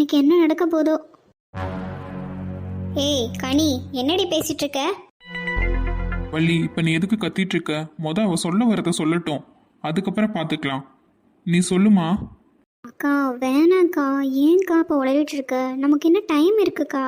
இன்னைக்கு என்ன நடக்க போதோ. ஏய் கனி, என்னடி பேசிட்டு இருக்க? வள்ளி, இப்ப நீ எதுக்கு கத்திட்டு இருக்க? அவ சொல்ல வரத சொல்லட்டும், அதுக்கப்புறம் பாத்துக்கலாம். நீ சொல்லுமா. அக்கா வேணாக்கா, ஏன்க்கா இப்போ உளறிட்டு இருக்க? நமக்கு என்ன டைம் இருக்குக்கா.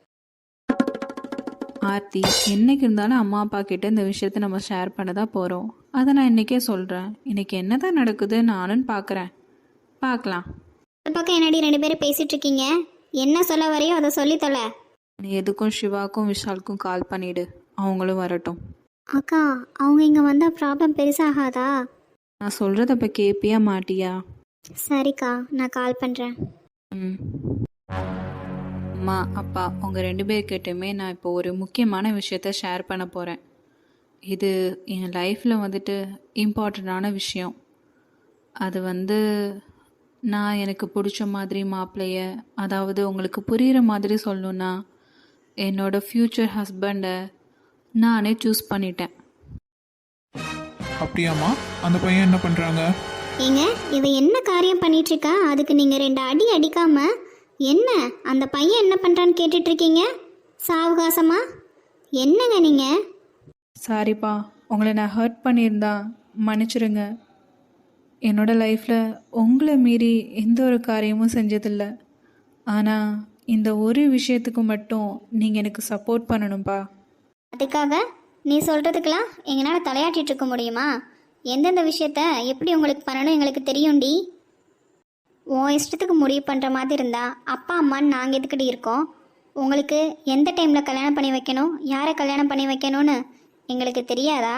ஆர்த்தி, என்னைக்கு இருந்தாலும் அம்மா அப்பா கிட்ட இந்த விஷயத்த நம்ம ஷேர் பண்ண தான் போகிறோம். அதை நான் இன்றைக்கே சொல்கிறேன். இன்றைக்கி என்ன தான் நடக்குது நானும் பார்க்குறேன். பார்க்கலாம். இந்த பக்கம் என்னடி ரெண்டு பேரும் பேசிட்டு இருக்கீங்க? என்ன சொல்ல வரையோ அதை சொல்லி தொலை. நீ எதுக்கும் சிவாக்கும் விஷாலுக்கும் கால் பண்ணிவிடு, அவங்களும் வரட்டும். அக்கா, அவங்க இங்கே வந்தால் ப்ராப்ளம் பெருசாகாதா? நான் சொல்கிறத இப்போ கேட்பியா மாட்டியா? சரிக்கா, நான் கால் பண்ணுறேன். ம். அம்மா அப்பா உங்கள் 2 பேர்கிட்டையுமே நான் இப்போ ஒரு முக்கியமான விஷயத்த ஷேர் பண்ண போகிறேன். இது என் லைஃப்பில் வந்துட்டு இம்பார்ட்டண்ட்டான விஷயம். அது நான் எனக்கு பிடிச்ச மாதிரி மாப்பிள்ளைய, அதாவது உங்களுக்கு புரிகிற மாதிரி சொல்லணுன்னா என்னோடய ஃப்யூச்சர் ஹஸ்பண்டை நானே சூஸ் பண்ணிட்டேன். அப்படியாம்மா? அந்த பையன் என்ன பண்ணுறாங்க? ஏங்க, இவ என்ன காரியம் பண்ணிட்டு இருக்கா? அதுக்கு நீங்கள் 2 அடி அடிக்காம என்ன அந்த பையன் என்ன பண்ணுறான்னு கேட்டுட்டு இருக்கீங்க சாவகாசமா? என்னங்க நீங்கள்? சாரிப்பா, உங்களை நான் ஹர்ட் பண்ணியிருந்தா மன்னிச்சிருங்க. என்னோடய லைஃப்பில் உங்களை மீறி எந்த ஒரு காரியமும் செஞ்சதில்லை. ஆனால் இந்த ஒரு விஷயத்துக்கு மட்டும் நீங்கள் எனக்கு சப்போர்ட் பண்ணணும்ப்பா. அதுக்காக நீ சொல்கிறதுக்கெல்லாம் எங்களால் தலையாட்டிட்டு இருக்க முடியுமா? எந்தெந்த விஷயத்த எப்படி உங்களுக்கு பண்ணணும் எங்களுக்கு தெரியும்டி. உன் இஷ்டத்துக்கு முடிவு பண்ணுற மாதிரி இருந்தால் அப்பா அம்மான்னு நாங்கள் எதுக்கிட்டு இருக்கோம்? உங்களுக்கு எந்த டைமில் கல்யாணம் பண்ணி வைக்கணும், யாரை கல்யாணம் பண்ணி வைக்கணும்னு எங்களுக்கு தெரியாதா?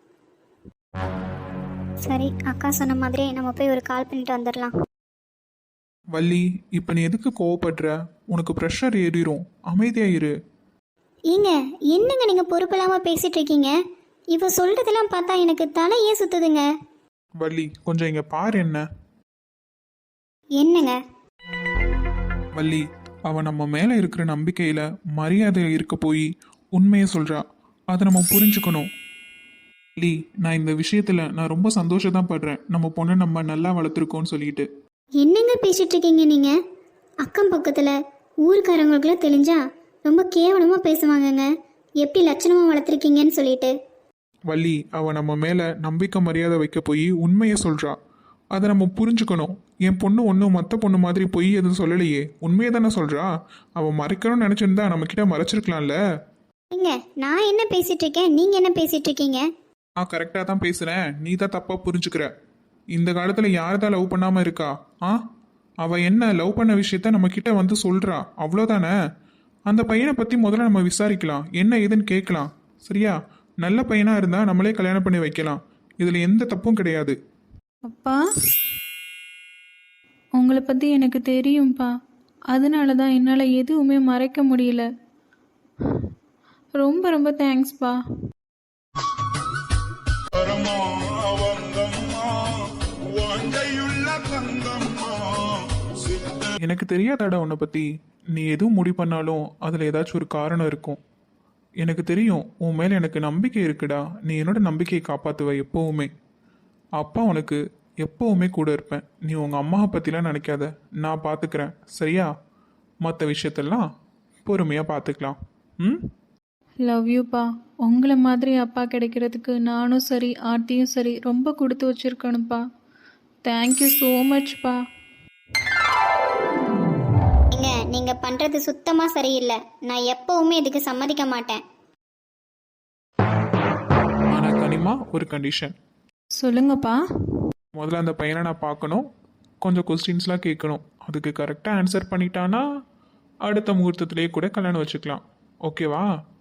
சரி, அக்கா சொன்ன மாதிரி நம்ம போய் ஒரு கால் பண்ணிட்டு வந்துடலாம். வள்ளி, இப்போ நீ எதுக்கு கோவப்படுற? உனக்கு ப்ரெஷர் ஏறிடும், அமைதியாயிரு. ஏங்க, என்னங்க நீங்கள் பொறுப்பு இல்லாமல் பேசிகிட்டு இருக்கீங்க? இவ சொல்கிறதெல்லாம் பார்த்தா எனக்கு தலையே சுற்றுதுங்க. வள்ளி, கொஞ்சம் இங்கே பாரு. என்னங்க? வள்ளி, அவ நம்ம மேலே இருக்கிற நம்பிக்கையில் மரியாதை இருக்க போய் உண்மையை சொல்கிறா. அதை நம்ம புரிஞ்சுக்கணும். வள்ளி, நான் இந்த விஷயத்தில் நான் ரொம்ப சந்தோஷம் தான் படுறேன். நம்ம பொண்ணை நம்ம நல்லா வளர்த்துருக்கோன்னு சொல்லிட்டு. என்னங்க பேசிட்டு இருக்கீங்க நீங்கள்? அக்கம் பக்கத்தில் ஊருக்காரங்களுக்குலாம் தெரிஞ்சா ரொம்ப கேவலமாக பேசுவாங்கங்க. எப்படி லட்சணமாக வளர்த்துருக்கீங்கன்னு சொல்லிட்டு. வள்ளி, அவ நம்ம மேலே நம்பிக்கை மரியாதை வைக்க போய் உண்மையை சொல்கிறா. அதை நம்ம புரிஞ்சுக்கணும். என் பொண்ணு ஒன்றும் மற்ற பொண்ணு மாதிரி பொய் எதுவும் சொல்லலையே, உண்மையை தானே சொல்கிறா. அவள் மறைக்கணும்னு நினச்சிருந்தா நம்மக்கிட்ட மறைச்சிருக்கலாம்ல. ஏங்க, நான் என்ன பேசிட்டு இருக்கேன், நீங்கள் என்ன பேசிட்டு இருக்கீங்க? நான் கரெக்டாக தான் பேசுகிறேன், நீ தான் தப்பாக புரிஞ்சுக்கிற. இந்த காலத்தில் யார் தான் லவ் பண்ணாமல் இருக்கா? அவள் என்ன லவ் பண்ண விஷயத்த நம்மக்கிட்ட வந்து சொல்கிறா, அவ்வளோதானே. அந்த பையனை பற்றி முதல்ல நம்ம விசாரிக்கலாம், என்ன ஏதுன்னு கேட்கலாம். சரியா? நல்ல பையனாக இருந்தால் நம்மளே கல்யாணம் பண்ணி வைக்கலாம். இதில் எந்த தப்பும் கிடையாது. அப்பா, உங்களை பற்றி எனக்கு தெரியும்ப்பா. அதனால தான் என்னால் எதுவுமே மறைக்க முடியல. ரொம்ப ரொம்ப தேங்க்ஸ்ப்பா. எனக்கு தெரியாதாடா உன்னை பற்றி. நீ எதுவும் முடிவு பண்ணாலும் அதில் ஏதாச்சும் ஒரு காரணம் இருக்கும். எனக்கு தெரியும், உன் மேலே எனக்கு நம்பிக்கை இருக்குடா. நீ என்னோட நம்பிக்கையை காப்பாற்றுவ எப்போவுமே. அப்பா உனக்கு எப்போவுமே கூட இருப்பேன். நீ உங்கள் அம்மாவை பற்றிலாம் நினைக்காத, நான் பார்த்துக்கிறேன். சரியா? மற்ற விஷயத்தெல்லாம் பொறுமையாக பார்த்துக்கலாம். லவ் யூப்பா. உங்களை மாதிரி அப்பா கிடைக்கிறதுக்கு நானும் சரி ஆர்த்தியும் சரி ரொம்ப கொடுத்து வச்சுருக்கணும்ப்பா. Thank you so மச்ப்பா. நீங்கள் பண்ணுறது சுத்தமாக சரியில்லை. நான் எப்போவுமே இதுக்கு சம்மதிக்க மாட்டேன். ஆனால் கனிமா, ஒரு கண்டிஷன். சொல்லுங்கப்பா. முதல்ல அந்த பையனை நான் பார்க்கணும், கொஞ்சம் கொஸ்டின்ஸ்லாம் கேட்கணும். அதுக்கு கரெக்டாக ஆன்சர் பண்ணிட்டானா அடுத்த முகூர்த்தத்திலேயே கூட கல்யாணம் வச்சுக்கலாம். ஓகேவா?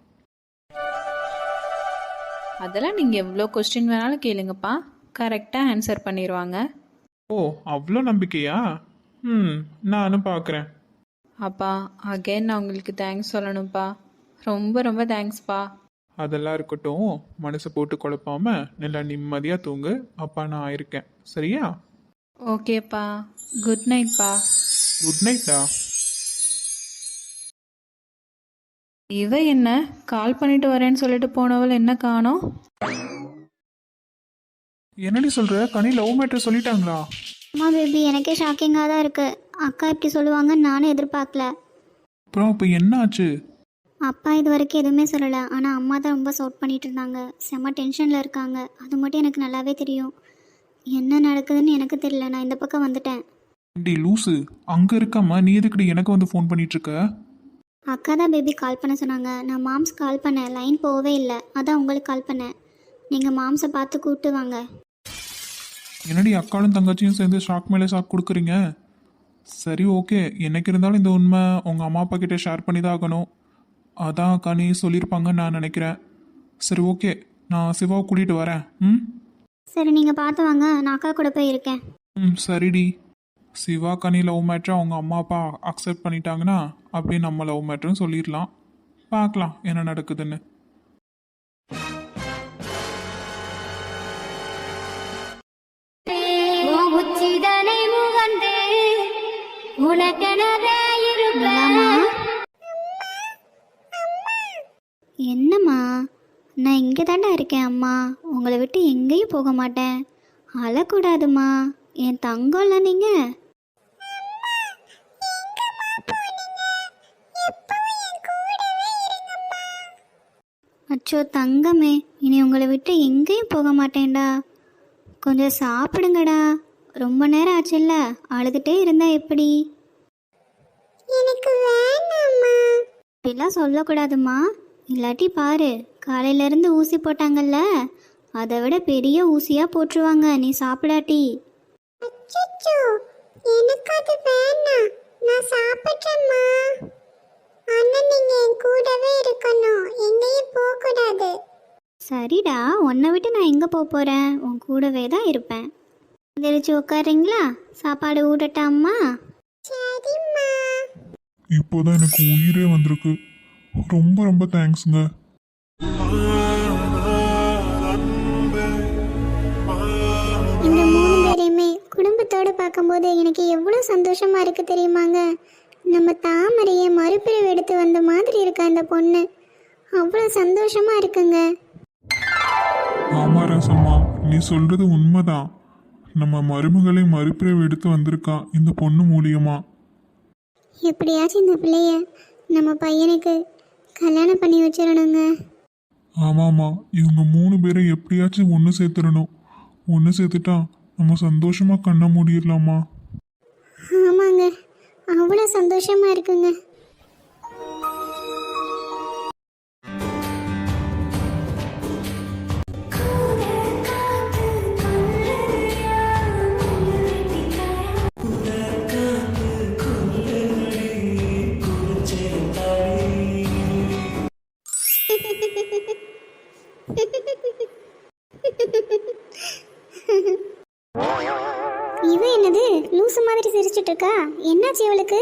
அதெல்லாம் நீங்கள் எவ்வளோ கொஸ்டின் வேணாலும் கேளுங்கப்பா, கரெக்டாக ஆன்சர் பண்ணிடுவாங்க. ஓ, அவ்வளோ நம்பிக்கையா? நானும் பார்க்குறேன். அப்பா, அகைன் நான் உங்களுக்கு தேங்க்ஸ் சொல்லணும்ப்பா. ரொம்ப ரொம்ப தேங்க்ஸ்ப்பா. அதெல்லாம் இருக்கட்டும், மனசை போட்டு குழப்பாம நல்லா நிம்மதியாக தூங்கு. அப்பா நான் இருக்கேன். சரியா? ஓகேப்பா. குட் நைட்ப்பா. குட் நைட்டா. இவ என்ன கால் பண்ணிட்டு வரேன்னு சொல்லிட்டு போனவள் என்ன காணோம்? என்னடி சொல்கிற? கனி லவ் மேட்டர் சொல்லிட்டாங்களா? அம்மா பேபி, எனக்கே ஷாக்கிங்காக தான் இருக்குது. அக்கா இப்படி சொல்லுவாங்கன்னு நானும் எதிர்பார்க்கல. அப்புறம் இப்போ என்ன ஆச்சு? அப்பா இது வரைக்கும் எதுவுமே சொல்லலை, ஆனால் அம்மா தான் ரொம்ப சவுட் பண்ணிட்டு இருந்தாங்க. செம்ம டென்ஷனில் இருக்காங்க. அது மட்டும் எனக்கு நல்லாவே தெரியும். என்ன நடக்குதுன்னு எனக்கு தெரியல. நான் இந்த பக்கம் வந்துட்டேன். டி லூசு, அங்கே இருக்காம நீ எதுக்குடி எனக்கு வந்து ஃபோன் பண்ணிட்டு இருக்க? அக்கா தான் பேபி கால் பண்ண சொன்னாங்க. நான் மாம்ஸ் கால் பண்ணேன், லைன் போகவே இல்லை. அதான் உங்களுக்கு கால் பண்ணேன். நீங்கள் மாம்ஸை பார்த்து கூப்பிட்டு வாங்க. என்னடி அக்காலும் தங்கச்சியும் சேர்ந்து ஷாக் மேலே ஷாக் கொடுக்குறீங்க? சரி ஓகே, என்னைக்கு இருந்தாலும் இந்த உண்மை உங்கள் அம்மா அப்பா கிட்டே ஷேர் பண்ணி தான் ஆகணும். அதான் அக்கா நீ சொல்லியிருப்பாங்கன்னு நான் நினைக்கிறேன். சரி ஓகே, நான் சிவாவை கூட்டிகிட்டு வரேன். ம் சரி, நீங்கள் பார்த்து வாங்க. நான் அக்கா கூட போய் இருக்கேன். ம் சரிடி. சிவா கனி லவ் மேட்ரை அவங்க அம்மா அப்பா அக்செப்ட் பண்ணிட்டாங்கன்னா அப்படியே நம்ம லவ் மேட்ருன்னு சொல்லிடலாம். பார்க்கலாம் என்ன நடக்குதுன்னு. என்னம்மா, நான் இங்கே தாண்டா இருக்கேன். அம்மா உங்களை விட்டு எங்கேயும் போக மாட்டேன். அழக்கூடாதுமா, என் தங்கம்ல நீங்கள். அச்சோ தங்கமே, இனி உங்களை விட்டு எங்கேயும் போக மாட்டேன்டா. கொஞ்சம் சாப்பிடுங்கடா. ரொம்ப நேரம் ஆச்சுல்ல, அழுதுகிட்டே இருந்தா எப்படி? எனக்கு வேணாம்மா. இப்படிலாம் சொல்லக்கூடாதுமா. இல்லாட்டி பாரு, காலையிலேருந்து ஊசி போட்டாங்கல்ல, அதை விட பெரிய ஊசியாக போட்டுருவாங்க நீ சாப்பிடாட்டி. எனக்கு அது வேணாம், நான் சாப்பிட்றேம்மா. ஆனா நீங்க என் கூடவே இருக்கணும், எங்கேயும் போக கூடாது. சரிடா, உன்னை விட்டு நான் எங்க போறேன்? உன் கூடவே தான் இருப்பேன். எந்திரிச்சு உட்காருங்களா? சாப்பாடு ஊட்டட்டா அம்மா? சரிம்மா. இப்போதான் எனக்கு உயிரே வந்திருக்கு. ரொம்ப ரொம்ப தேங்க்ஸுங்க. இந்த 3 பேரையுமே குடும்பத்தோடு பார்க்கும்போது எனக்கு எவ்வளோ சந்தோஷமா இருக்கு தெரியுமாங்க? நம்ம தாமரையை மறுபிரிவு எடுத்து வந்த மாதிரி இருக்கா இந்த பொண்ணு. அவ்வளோ சந்தோஷமா இருக்குங்க. ஆமா ரசம்மா, நீ சொல்றது உண்மைதான். நம்ம மருமகளை மறுபிரிவு எடுத்து வந்திருக்கா இந்த பொண்ணு மூலியமா. எப்படியாச்சும் இந்த பிள்ளைய நம்ம பையனுக்கு கல்யாணம் பண்ணி வச்சிடணுங்க. ஆமாம்மா, இவங்க 3 பேரை எப்படியாச்சும் ஒன்று சேர்த்துடணும். ஒன்று சேர்த்துட்டா நம்ம சந்தோஷமா கண்ண மூடிடலாமா? ஆமாங்க, அவ்வளோ சந்தோஷமா இருக்குங்க. இவ என்னது லூசு மாதிரி சிரிச்சிட்டு இருக்கா? என்னாச்சு இவளுக்கு?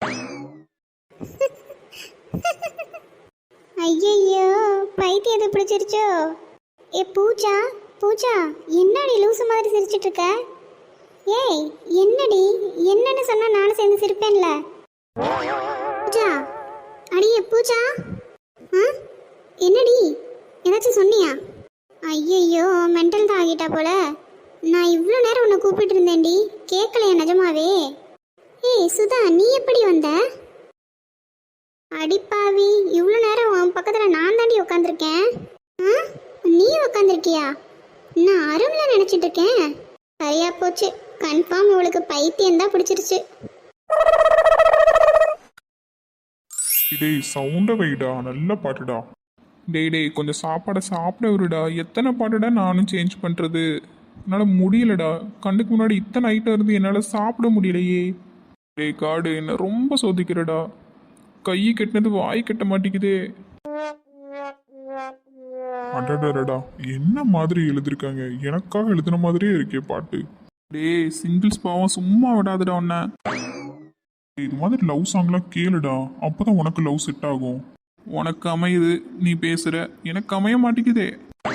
ஐயையோ, பைத்தியம் எது பிடிச்சிருச்சோ? ஏ பூஜா, பூஜா, என்னடி லூசு மாதிரி சிரிச்சிட்டு இருக்க? ஏய் என்னடி, என்னன்னு சொன்னா நானும் சேர்ந்து சிரிப்பேன்ல. பூஜா, அடியே பூஜா. என்னடி, ஏதாச்சும் சொன்னியா? ஐயையோ, மென்டல் தான் ஆகிட்டா போல. நான் இவ்வளோ நேரம் உன்னை கூப்பிட்டு இருந்தேன்டி, கேட்கலையா நிஜமாவே? ஏய் சுதா, நீ எப்படி வந்த? அடிப்பாவி, இவ்வளோ நேரம் உன் பக்கத்தில் நான் தாண்டி உட்காந்துருக்கேன். நீ உட்காந்துருக்கியா? நான் அரும்ல நினச்சிட்டு இருக்கேன். சரியா போச்சு, கன்ஃபார்ம் இவளுக்கு பைத்தியம் தான் பிடிச்சிருச்சு. டேய் சவுண்ட வைடா, நல்ல பாட்டுடா. டேய் கொஞ்சம் சாப்பாடை சாப்பிட விடுடா. எத்தனை பாட்டுடா நானும் சேஞ்ச் பண்ணுறது? என்னால் முடியலடா. கண்ணுக்கு முன்னாடி இத்தனை ஐட்டம் இருந்து என்னால் சாப்பிட முடியலையே. டேய் காடு, என்ன ரொம்ப சோதிக்கிறடா. கை கட்டினது வாய் கட்ட மாட்டேங்குதே. அடடடா, என்ன மாதிரி எழுதிருக்காங்க? எனக்காக எழுதின மாதிரியே இருக்கே பாட்டு. டேய் சிங்கிள்ஸ் பாவம் சும்மா விடாதுடா உன்ன. இது மாதிரி லவ் சாங்லாம் கேளுடா, அப்பதான் உனக்கு லவ் செட் ஆகும். உனக்கு அமையுது, நீ பேசுற, எனக்கு அமைய மாட்டேங்குதே.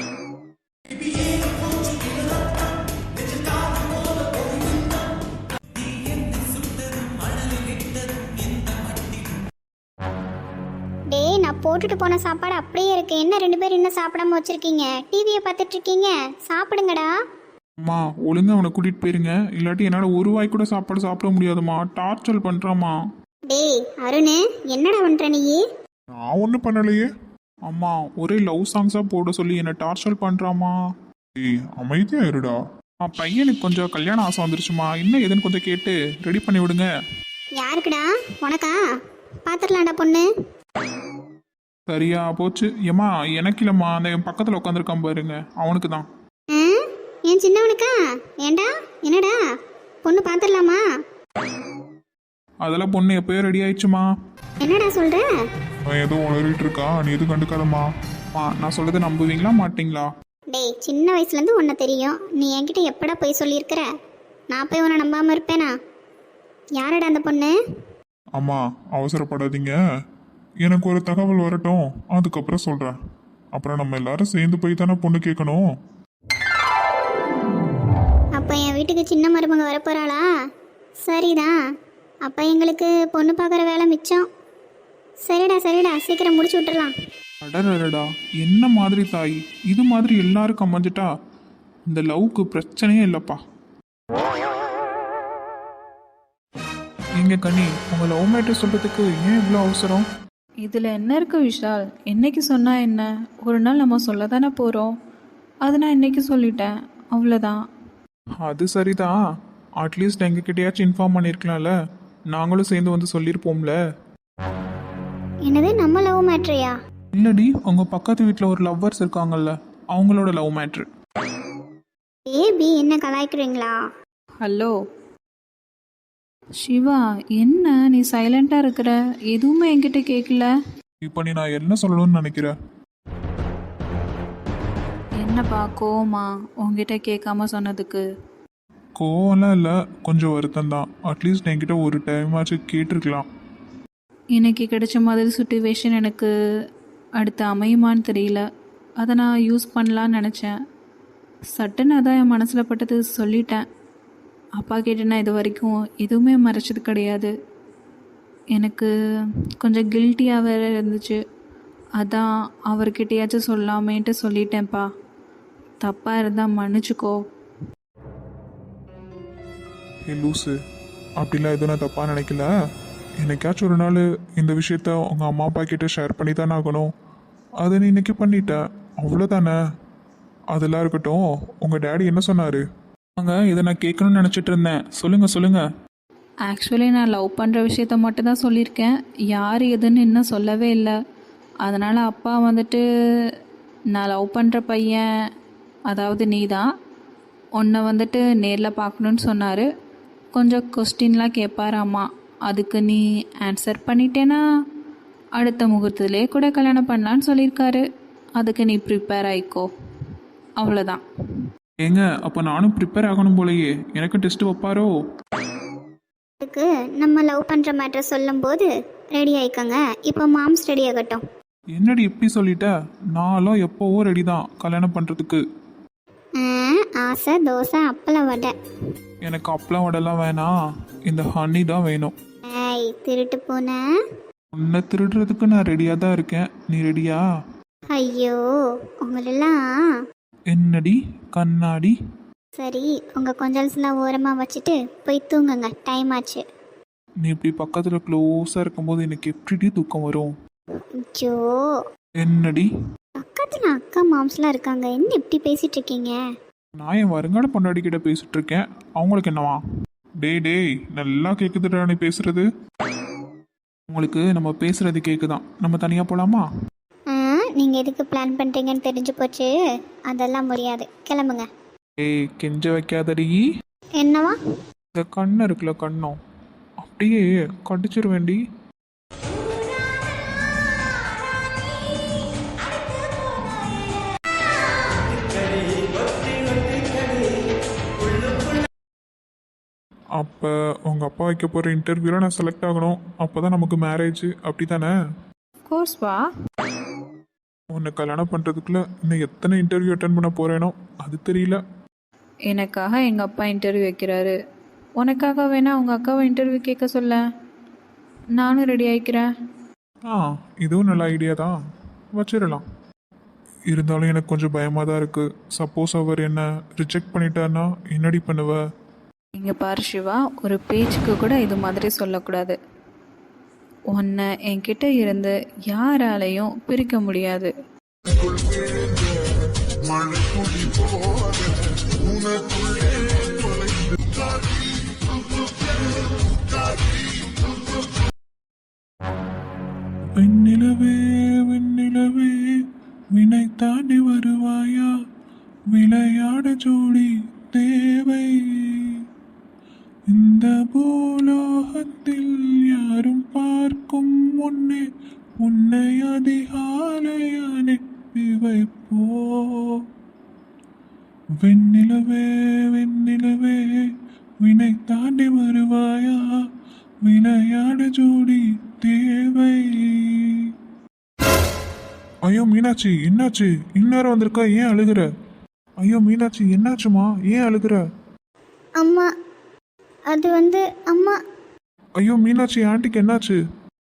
டேய், நான் போட்டுட்டு போன சாப்பாடு அப்படியே இருக்கு. என்ன 2 பேரும் இன்னும் சாப்பிடாம வச்சிருக்கீங்க? டிவியை பார்த்துட்டு இருக்கீங்க? சாப்பிடுங்கடா. அம்மா ஒழுங்கா அவனை கூட்டிட்டு போயிருங்க, இல்லாட்டி என்னால் ஒரு வாய் கூட சாப்பாடு சாப்பிட முடியாதும்மா. டார்ச்சர் பண்ணுறாம்மா. டேய் அருண், என்னடா பண்ற நீ? நான் ஒன்றும் பண்ணலையே அம்மா. ஒரே லவ் சாங்ஸாக போட சொல்லி என்னை டார்ச்சர் பண்ணுறாம்மா. ஏய் அமைதியா இருடா. பையனுக்கு கொஞ்சம் கல்யாணம் ஆசை வந்துருச்சுமா, என்ன ஏதுன்னு கொஞ்சம் கேட்டு ரெடி பண்ணி விடுங்க. யாருக்குடா? உனக்கா? பாத்துடலாம்டா பொண்ணு. சரியா போச்சு. ஏம்மா எனக்கு இல்லைம்மா, அந்த என் பக்கத்தில் உட்காந்துருக்கான் பாருங்க, அவனுக்கு தான். ஆ? என் சின்னவனுக்கா? ஏண்டா என்னடா பொண்ணு பாத்துடலாமா? அதெல்லாம் பொண்ணு எப்பயோ ரெடி ஆயிடுச்சுமா. என்னடா சொல்ற? அவன் ஏதோ உளறிட்டு இருக்கா, நீ எதுவும் கண்டுக்காதம்மா. நான் சொல்றதை நம்புவீங்களா மாட்டீங்களா? டேய் சின்ன வயசுலேருந்து உன்னை தெரியும், நீ என்கிட்ட எப்படா போய் சொல்லியிருக்கிற? நான் போய் உன்னை நம்பாமல் இருப்பேனா? யாரடா அந்த பொண்ணு? அம்மா அவசரப்படாதீங்க, எனக்கு ஒரு தகவல் வரட்டும், அதுக்கப்புறம் சொல்கிறேன். அப்புறம் நம்ம எல்லாரும் சேர்ந்து போய் தானே பொண்ணு கேட்கணும். அப்போ என் வீட்டுக்கு சின்ன மருமக வரப்போகிறாளா? சரிதான், அப்போ எங்களுக்கு பொண்ணு பார்க்குற வேலை மிச்சம். சரிடா சரிடா, சீக்கிரம் முடிச்சு விட்டுறலாம். அடடடா, என்ன மாதிரி தாய், இது மாதிரி எல்லாருக்கும் அமைஞ்சிட்டா இந்த லவ்க்கு பிரச்சனையே இல்லைப்பா. நீங்க கனி, உங்க லவ் மேட்டர் சொல்றதுக்கு ஏன் இவ்வளோ அவசரம்? இதில் என்ன இருக்கு விஷால்? என்னைக்கு சொன்னால் என்ன, ஒரு நாள் நம்ம சொல்ல தானே போகிறோம். அதை நான் இன்னைக்கு சொல்லிட்டேன், அவ்வளோதான். அது சரிதான், அட்லீஸ்ட் எங்ககிட்டயாச்சும் இன்ஃபார்ம் பண்ணியிருக்கலாம்ல, நாங்களும் சேர்ந்து வந்து சொல்லியிருப்போம்ல. என்னது, நம்ம லவ் மேட்ரியா? இல்லடி, உங்க பக்கத்து வீட்டில் ஒரு லவ்வர்ஸ் இருக்காங்கல்ல, அவங்களோட லவ் மேட்ரு. ஏபி என்ன கலாய்க்கிறீங்களா? ஹலோ சிவா, என்ன நீ சைலண்டாக இருக்கிற? எதுவுமே என்கிட்ட கேட்கல. இப்போ நீ நான் என்ன சொல்லணும்னு நினைக்கிறேன்? என்னப்பா கோவமா உங்ககிட்ட கேட்காம சொன்னதுக்கு? கோவம்லாம் இல்லை, கொஞ்சம் வருத்தம் தான். அட்லீஸ்ட் என்கிட்ட ஒரு டைமாச்சும் கேட்டிருக்கலாம். இன்னைக்கு கிடைச்ச மாதிரி சுச்சுவேஷன் எனக்கு அடுத்து அமையுமான்னு தெரியல. அதை நான் யூஸ் பண்ணலான்னு நினச்சேன். சட்டுன்னு அதான் என் மனசில் பட்டது சொல்லிட்டேன். அப்பா கிட்ட நான் இது வரைக்கும் எதுவுமே மறைச்சது கிடையாது. எனக்கு கொஞ்சம் கில்ட்டியாக வேற இருந்துச்சு. அதான் அவர்கிட்டயாச்சும் சொல்லாமேன்ட்டு சொல்லிட்டேன்ப்பா. தப்பாக இருந்தால் மன்னிச்சுக்கோ. ஏ லூஸு, அப்படிலாம் எதுவும் நான் தப்பாக நினைக்கல. என்னைக்காச்சும் ஒரு நாள் இந்த விஷயத்த உங்கள் அம்மா அப்பா கிட்ட ஷேர் பண்ணி தானே ஆகணும். அதை நீ இன்னைக்கு பண்ணிட்ட, அவ்வளோதானே. அதெல்லாம் இருக்கட்டும், உங்கள் டேடி என்ன சொன்னார்? இதை நான் கேட்கணும்னு நினச்சிட்டு இருந்தேன், சொல்லுங்கள். ஆக்சுவலி நான் லவ் பண்ணுற விஷயத்த மட்டும் தான் சொல்லியிருக்கேன். யார் எதுன்னு இன்னும் சொல்லவே இல்லை. அதனால் அப்பா வந்துட்டு நான் லவ் பண்ணுற பையன், அதாவது நீ தான், உன்னை வந்துட்டு நேரில் பார்க்கணுன்னு சொன்னார். கொஞ்சம் கொஸ்டின்லாம் கேட்பாராம்மா. அதுக்கு நீ ஆன்சர் பண்ணிட்டேன்னா அடுத்த முகூர்த்தத்திலே கூட கல்யாணம் பண்ணலான்னு சொல்லியிருக்காரு. அதுக்கு நீ ப்ரிப்பேர் ஆகிக்கோ, அவ்வளோதான். ஏங்க, அப்போ நானும் ப்ரிப்பேர் ஆகணும் போலயே. எனக்கு டெஸ்ட் வைப்பாரோ? அதுக்கு நம்ம லவ் பண்ணுற மேட்ரை சொல்லும்போது ரெடி ஆயிக்கோங்க. இப்போ மாம்ஸ் ரெடி ஆகட்டும். என்னடி இப்படி சொல்லிட்ட? நான்லாம் எப்போவோ ரெடி தான் கல்யாணம் பண்ணுறதுக்கு. ஆசை தோசை அப்பளம் வடை. எனக்கு அப்பளம் வடைலாம் வேணாம், இந்த ஹனி தான் வேணும். ஏய் திருட்டு பூனை, உன்னை திருடுறதுக்கு நான் ரெடியாக தான் இருக்கேன், நீ ரெடியா? ஐயோ உங்களெல்லாம். என்னடி கண்ணாடி? சரி, உங்கள் கொஞ்சல்ஸ்லாம் ஓரமாக வச்சுட்டு போய் தூங்குங்க, டைம் ஆச்சு. நீ இப்படி பக்கத்தில் க்ளோஸாக இருக்கும்போது எனக்கு எப்படி தூக்கம் வரும்? ஐயோ, என்னடி? பக்கத்தில் அக்கா மாம்ஸ்லாம் இருக்காங்க, என்ன இப்படி பேசிட்டு இருக்கீங்க? நான் என் வருங்கால பொண்டாடி கிட்ட பேசிட்டு இருக்கேன், அவங்களுக்கு என்னவா? டேய் நல்லா கேட்குதுடா நீ பேசுறது. உங்களுக்கு நம்ம பேசுறது கேட்குதான், நம்ம தனியாக போகலாமா? நீங்கள் எதுக்கு பிளான் பண்ணுறீங்கன்னு தெரிஞ்சு போச்சு, அதெல்லாம் முடியாது, கிளம்புங்க. ஏய் கெஞ்ச வைக்காதடி. என்னவா? இந்த கண்ணை இருக்குல்ல, கண்ணம் அப்படியே கடிச்சிருவேண்டி. அப்போ உங்கள் அப்பா வைக்க போகிற இன்டர்வியூவில் நான் செலக்ட் ஆகணும், அப்போ தான் நமக்கு மேரேஜ், அப்படி தானே? கோர்ஸ்பா, உன்னை கல்யாணம் பண்ணுறதுக்குள்ள இன்னும் எத்தனை இன்டர்வியூ அட்டன் பண்ண போகிறேனோ அது தெரியல. எனக்காக எங்கள் அப்பா இன்டர்வியூ வைக்கிறாரு. உனக்காக வேணா உங்கள் அக்காவை இன்டர்வியூ கேட்க சொல்ல, நானும் ரெடி ஆகிக்கிறேன். இதுவும் நல்ல ஐடியா தான், வச்சிடலாம். இருந்தாலும் எனக்கு கொஞ்சம் பயமாக தான் இருக்குது. சப்போஸ் அவர் என்ன ரிஜெக்ட் பண்ணிட்டாருன்னா என்னடி பண்ணுவ? இங்கே பாரு சிவா, ஒரு பேச்சுக்கு கூட இது மாதிரி சொல்லக்கூடாது. உன்னை என்கிட்ட இருந்து யாராலையும் பிரிக்க முடியாது. வெண்ணிலவே வெண்ணிலவே வினை தாண்டி வருவாயா, விளையாட ஜோடி தேவை. இந்த பூலோகத்தில் யாரும் பார்க்கும் முன்னே உன்னை அதிகாலை அனுப்பி வைப்போ. வெண்ணிலவே வெண்ணிலவே வினை தாண்டி வருவாயா, விளையாட ஜோடி தேவை. ஐயோ மீனாட்சி, என்னாச்சு? இந்நேரம் வந்திருக்கா, ஏன் அழுகுற? ஐயோ மீனாட்சி, என்னாச்சுமா, ஏன் அழுகுற? அம்மா, அது வந்து அம்மா. ஐயோ மீனாட்சி, ஆண்டிக்கு என்னாச்சு?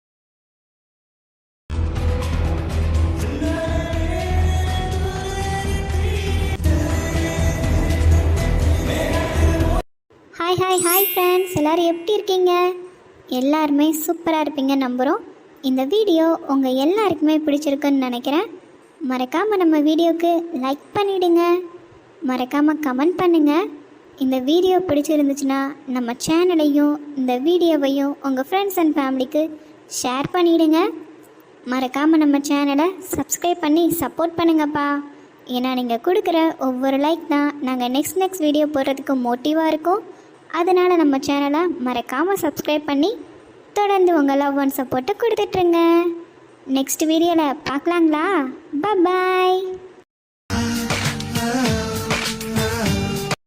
ஹாய் ஹாய் ஹாய் ஃப்ரெண்ட்ஸ், எல்லோரும் எப்படி இருக்கீங்க? எல்லாருமே சூப்பராக இருப்பீங்க நம்புகிறோம். இந்த வீடியோ உங்கள் எல்லாருக்குமே பிடிச்சிருக்குன்னு நினைக்கிறேன். மறக்காமல் நம்ம வீடியோவுக்கு லைக் பண்ணிவிடுங்க, மறக்காமல் கமெண்ட் பண்ணுங்கள். இந்த வீடியோ பிடிச்சிருந்துச்சுன்னா நம்ம சேனலையும் இந்த வீடியோவையும் உங்கள் ஃப்ரெண்ட்ஸ் அண்ட் ஃபேமிலிக்கு ஷேர் பண்ணிவிடுங்க. மறக்காமல் நம்ம சேனலை சப்ஸ்கிரைப் பண்ணி சப்போர்ட் பண்ணுங்கப்பா. ஏன்னா நீங்கள் கொடுக்குற ஒவ்வொரு லைக் தான் நாங்கள் நெக்ஸ்ட் வீடியோ போடுறதுக்கு மோட்டிவாக இருக்கும். அதனால் நம்ம சேனலை மறக்காமல் சப்ஸ்கிரைப் பண்ணி தொடர்ந்து உங்கள் லவ் அண்ட் சப்போர்ட்டை கொடுத்துட்ருங்க. நெக்ஸ்ட் வீடியோவில் பார்க்கலாங்களா? பாய்.